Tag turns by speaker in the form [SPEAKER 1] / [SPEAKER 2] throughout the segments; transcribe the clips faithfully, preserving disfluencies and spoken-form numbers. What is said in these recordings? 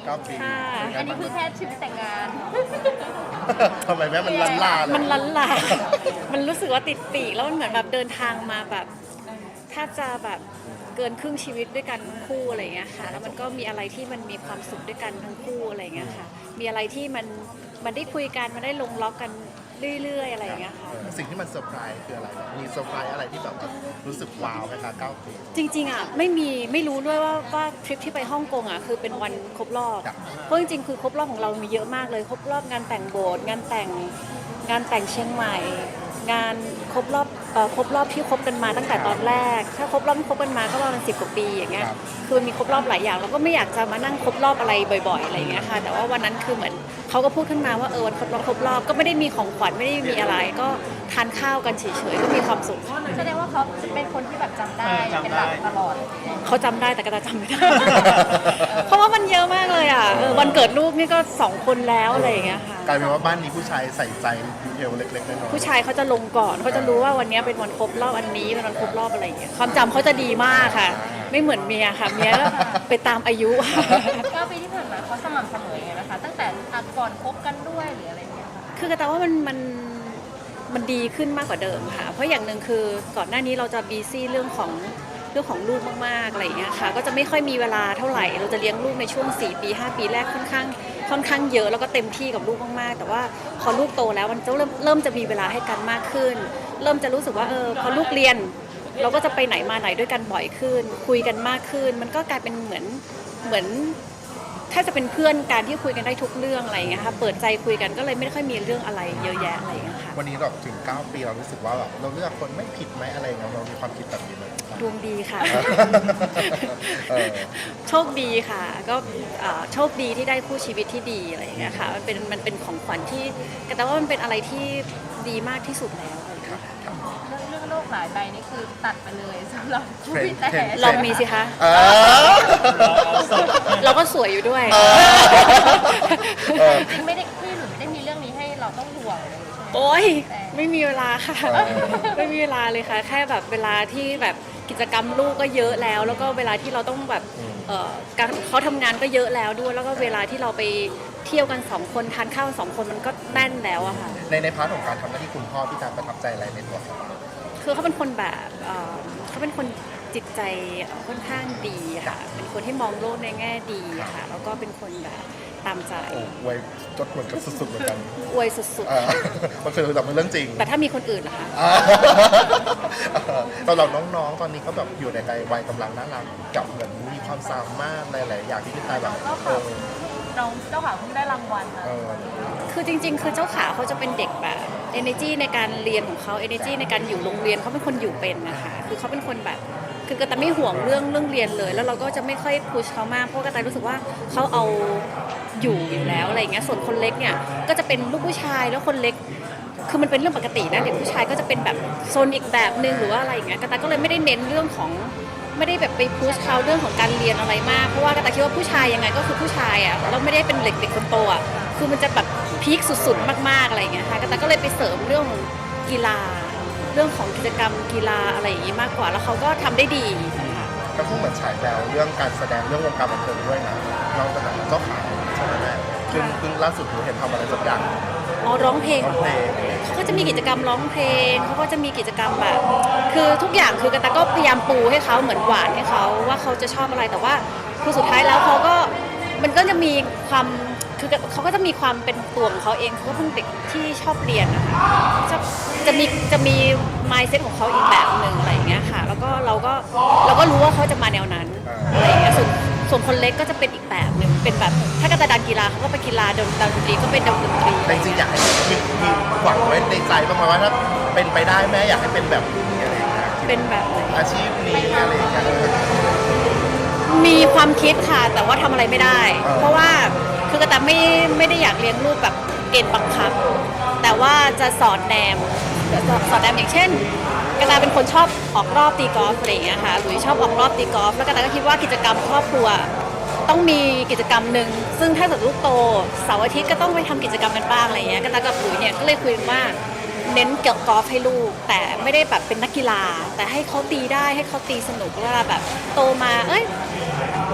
[SPEAKER 1] เก้าปี
[SPEAKER 2] อันนี้คือแค่ชีวิตแต่งงาน
[SPEAKER 1] ทำไมแม่มันลันลาเลย
[SPEAKER 3] มันลันลา มันรู้สึกว่าติดปีกแล้วมันเหมือนแบบเดินทางมาแบบถ้าจะแบบเกินครึ่งชีวิตด้วยกันทั้งคู่อะไรอย่างเงี้ยค่ะแล้วมันก็มีอะไรที่มันมีความสุขด้วยกันทั้งคู่อะไรอย่างเงี้ยค่ะมีอะไรที่มันมันได้คุยกันมันได้ลงล็อกกันเรื่อยๆอะไรอย่างเงี้ยค่ะ
[SPEAKER 1] สิ่งที่มันเซอร์ไพรส์คืออะไรมีเซอร์ไพรส์อะไรที่แบบรู้สึกว้าวไหมคะเก้าปี
[SPEAKER 3] จริงๆอ่ะไม่มีไม่รู้ด้วยว่าว่าทริปที่ไปฮ่องกงอ่ะคือเป็นวันครบรอบ
[SPEAKER 1] ครับ
[SPEAKER 3] เพราะจริงๆคือครบรอบของเรามีเยอะมากเลยครบรอบงานแต่งโบสถ์งานแต่งงานแต่งเชียงใหม่ งานครบรอบเอ่อครบรอบที่คบกันมาตั้งแต่ตอนแรก ถ้าครบรอบที่คบกันมาก็ประมาณสิบกว่าปีอย่างเงี้ย
[SPEAKER 1] ครับ
[SPEAKER 3] คือมีครบรอบหลายอย่างเราก็ไม่อยากจะมานั่งครบรอบอะไรบ่อยๆอะไรอย่างเงี้ยค่ะแต่ว่าวันนั้นคือเหมือนเขาก็พูดขึ้นมาว่าเออวันครบรอบครบรอบก็ไม่ได้มีของขวัญไม่ได้มีอะไร ก็ทานข้าวกันเฉยๆก็มีความสุข
[SPEAKER 2] แสดงว่าเขาเป็นคนที่แบบจำได้เป็นหลักตลอด
[SPEAKER 3] เขาจำได้แต่ก็จะจำไม่ได้ เพราะว่ามันเยอะมากเลยอ่ะเออวันเกิดลูกนี่ก็สองคนแล้วอะไรอย่างเงี้ยค่ะ
[SPEAKER 1] กลายเป็นว่าบ้านนี้ผู้ชายใส่ใจดีเทลเล็กๆน้อยๆ
[SPEAKER 3] ผู้ชายเขาจะลงก่อนเขาจะรู้ว่าวันนี้เป็นวันครบรอบอันนี้เป็นวันครบรอบอะไรอย่างเงี้ยความจำเขาจะดีมากค่ะ ไม่เหมือนเมียค่ะเมียก็ไปตามอายุ
[SPEAKER 2] เก้าปีที่ผ่านมาเขาสม่ำเสมอไงนะคะตั้งแต่ก่อนคบกันด้วยหรืออะไรเงี้ยค่ะ
[SPEAKER 3] คือกระแตว่ามันมันมันดีขึ้นมากกว่าเดิมค่ะ เพราะอย่างหนึ่งคือก่อนหน้านี้เราจะบีซี่เรื่องของเรื่องของลูกมากๆอะไรอย่างเงี้ยค่ะก็จะไม่ค่อยมีเวลาเท่าไหร่เราจะเลี้ยงลูกในช่วงสี่ปีห้าปีแรกค่อนข้างค่อนข้างเยอะแล้วก็เต็มที่กับลูกมากๆแต่ว่าพอลูกโตแล้วมันจะเริ่มเริ่มจะมีเวลาให้กันมากขึ้น เริ่มจะรู้สึกว่าเออพอลูกเรียน เราก็จะไปไหนมาไหนด้วยกันบ่อยขึ้น คุยกันมากขึ้น มันก็กลายเป็นเหมือนเหมือน ถ้าจะเป็นเพื่อนการที่คุยกันได้ทุกเรื่องอะไรอย่างเงี้ยค่ะเปิดใจคุยกันก็เลยไม่ค่อยมีเรื่องอะไรเยอะแยะอะไรอย่างเงี้ยค่ะ
[SPEAKER 1] วันนี้เราถึงเก้าปีเรารู้สึกว่าแบบเราเลือกคนไม่ผิดไหมอะไรเงี้ยเรามีความคิดแบบนี้ไหม
[SPEAKER 3] ดวงดีค่ะ
[SPEAKER 1] เออ
[SPEAKER 3] โชคดีค่ะ ก็เอ่อโชคดีที่ได้คู่ชีวิตที่ดีอะไรอย่างเงี้ยค่ะมันเป็นมันเป็นของขวัญที่แต่ว่ามันเป็นอะไรที่ดีมากที่สุดแล้วอะไรอย่างเงี้ยค่ะ
[SPEAKER 2] เรื่องเรื่องโลกหลายใบนี่คือตัดไปเลยสำหรับคู่พี่แต่
[SPEAKER 3] ลองมีสิคะ
[SPEAKER 1] เออ
[SPEAKER 3] เราก็สวยอยู่ด้วย
[SPEAKER 1] เออ
[SPEAKER 2] จริงไม่ได้พี่หนูไม่ได้มีเรื่องนี้ให้เราต้องห่วงเลยใช่ไหม
[SPEAKER 3] โอ๊ยไม่มีเวลาค่ะ ไม่มีเวลาเลยค่ะ แค่แบบเวลาที่แบบกิจกรรมลูกก็เยอะแล้ว แล้วก็เวลาที่เราต้องแบบเอ่อการเขาทำงานก็เยอะแล้วด้วย แล้วก็เวลาที่เราไปเที่ยวกันสองคนทานข้าวสองคนมันก็แน่นแล้วอะค่ะ
[SPEAKER 1] ในในพาร์ทของการทำหน้าที่คุณพ่อพี่การประทับใจอะไรในตัวเขา
[SPEAKER 3] คือเขาเป็นคนแบบเอ่อเขาเป็นคนจิตใจค่อนข้างดีค่ะ เป็นคนที่มองโลกในแง่ดีค่ะ แล้วก็เป็นคนแบบตามใจ
[SPEAKER 1] โอ้ไวยจดเหมือนกับสุดๆเหมือนกัน
[SPEAKER 3] อวยสุด
[SPEAKER 1] เออมันคือแบบมันเรื่องจริง
[SPEAKER 3] ๆ แต่ถ้ามีคนอื่นล่ะคะ
[SPEAKER 1] อ่าตอนเราน้องๆ ตอนนี้ก็แบบอยู่ในวัยกำลังน่ารักกับเหมือนมีความสามารถหลายๆอย่างที่พี่ตายแบบ
[SPEAKER 2] เจ้า
[SPEAKER 1] เอ
[SPEAKER 2] ขา
[SPEAKER 1] อ
[SPEAKER 2] น้องเจ้าขาเพิ่งได้รางวัลนะ
[SPEAKER 1] เออ
[SPEAKER 3] คือจริงๆ คือเจ้าขาเขาจะเป็นเด็กแบบ energy ในการเรียนของเขา energy ในการอยู่โรงเรียนเขาเป็นคนอยู่เป็นนะคะ คือเขาเป็นคนแบบ คือกระต่ายไม่ห่วงเรื่องเรื่องเรียนเลย แล้วเราก็จะไม่ค่อยพุชเขามาก เพราะกระต่ายรู้สึกว่าเขาเอาอยู่อยู่แล้วอะไรอย่างเงี้ย ส่วนคนเล็กเนี่ยก็จะเป็นลูกผู้ชายแล้วคนเล็ก คือมันเป็นเรื่องปกตินะเด็กผู้ชายก็จะเป็นแบบโซนอีกแบบนึงหรือว่าอะไรอย่างเงี้ยกระต่ายก็เลยไม่ได้เน้นเรื่องของไม่ได้แบบไปพุชเขาเรื่องของการเรียนอะไรมาก เพราะว่ากระต่ายคิดว่าผู้ชายยังไงก็คือผู้ชายอ่ะเราไม่ได้เป็นเด็กเด็กคนโตอ่ะคือมันจะแบบพีคสุดๆมากๆอะไรอย่างเงี้ยค่ะกระต่ายก็เลยไปเสริมเรื่องของกีฬา เรื่องของกิจกรรมกีฬาอะไรอย่างงี้มากกว่าแล้วเขาก็ทำได้ดีค่ะ
[SPEAKER 1] ก็พูดเหมือนฉายแววเรื่องการแสดงเรื่องวงการบันเทิงด้วยนะเราเป็นแบบเจ้าขายใช่ไหมแม่ซึ่งซึ่งล่าสุดหนูเห็นทำอะไรสักอย่าง
[SPEAKER 3] อ๋อร้องเพลง
[SPEAKER 1] ร้องเพลง
[SPEAKER 3] เขาก็จะมีกิจกรรมร้องเพลงเขาก็จะมีกิจกรรมแบบ คือทุกอย่างคือกระตาก็พยายามปูให้เขาเหมือนหวานให้เขาว่าเขาจะชอบอะไรแต่ว่าคือสุดท้ายแล้วเขาก็มันก็จะมีความคือเขาก็จะมีความเป็นตัวของเขาเองเขาก็เป็นเด็กที่ชอบเรียนนะคะจะจะมีจะมี mindset ของเขาอีกแบบหนึ่งอะไรอย่างเงี้ยค่ะ แล้วก็เราก็เราก็รู้ว่าเขาจะมาแนวนั้นอะไรอย่างเงี้ยส่วนส่วนคนเล็กก็จะเป็นอีกแบบหนึ่งเป็นแบบถ้ากระตาดันกีฬาเขาก็ไปกีฬาดนดนตรีก็เป็นดนตรี
[SPEAKER 1] แต่จริงๆอยากให้มีมีหวังไว้ในใจบ้างไหมว่าถ้าเป็นไปได้แม่อยากให้เป็นแบบนี้อะไรอย่างเงี้ย
[SPEAKER 3] เป็นแบบไหน
[SPEAKER 1] อาชีพนี้อะไรอย่างเงี้ย
[SPEAKER 3] มีความคิดค่ะแต่ว่าทำอะไรไม่ได้
[SPEAKER 1] อ่า
[SPEAKER 3] เพราะว่าคือกระแตไม่ไม่ได้อยากเลี้ยงลูกแบบเกณฑ์บังคับ แต่ว่าจะสอนแนมสอนแนมอย่างเช่นกระแตเป็นคนชอบออกรอบตีกอล์ฟอะไรอย่างเงี้ยค่ะหลุยชอบออกรอบตีกอล์ฟแล้วกระแตก็คิดว่ากิจกรรมครอบครัวต้องมีกิจกรรมหนึ่งซึ่งถ้าเกิดลูกโตเสาร์อาทิตย์ก็ต้องไปทำกิจกรรมกันบ้างอะไรอย่างเงี้ยกระแตกับหลุยเนี่ยก็เลยคุยกันว่า เน้นเกี่ยวกับกอล์ฟให้ลูกแต่ไม่ได้แบบเป็นนักกีฬา แต่ให้เขาตีได้ให้เขาตีสนุกเวลาแบบโตมาเอ้ย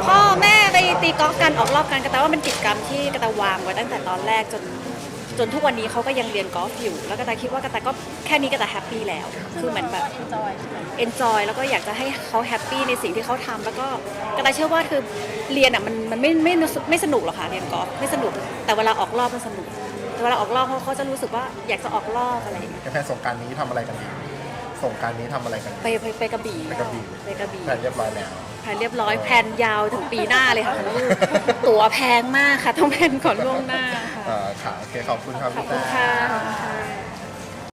[SPEAKER 3] พ่อแม่ไปตีกอล์ฟกันออกรอบกันกระแตว่ามันกิจกรรมที่กระแตวางไว้ตั้งแต่ตอนแรกจนจนทุกวันนี้เขาก็ยังเรียนกอล์ฟอยู่แล้วกระแตคิดว่ากระแตก็แค่นี้กระแตแฮปปี้แล้วคือเหมือนแบบ
[SPEAKER 2] เอนจอยใช่ไหม
[SPEAKER 3] enjoy แล้วก็อยากจะให้เขาแฮปปี้ในสิ่งที่เขาทำแล้วก็กระต่ายเชื่อว่าคือเรียนอ่ะมันมันไม่ไม่ไม่สนุกหรอกค่ะเรียนกอล์ฟไม่สนุกแต่เวลาออกรอบมันสนุกแต่เวลาออกรอบเขาเขาจะรู้สึกว่าอยากจะออกรอบอะไรอย่างเงี้ย
[SPEAKER 1] แผนสงกรารนี้ทำอะไรกันดีสงกรารนี้ทำอะไรกันดี
[SPEAKER 3] ไปไปไปกระบี่
[SPEAKER 1] ไปกระบี่
[SPEAKER 3] ไปกระบี่
[SPEAKER 1] แผนเรียบร้อยแล้ว
[SPEAKER 3] แผนเรียบร้อยแผนยาวถึงปีหน้าเลยค่ะของลูกตั๋วแพงมากค่ะต้องแผนก่อนล่วงหน้าค่ะ
[SPEAKER 1] อ่าค่ะโอเคขอบคุณครับ
[SPEAKER 3] ขอบ
[SPEAKER 1] พี่
[SPEAKER 3] คุณ
[SPEAKER 1] แต้
[SPEAKER 3] ค่ะขอบคุณค่ะ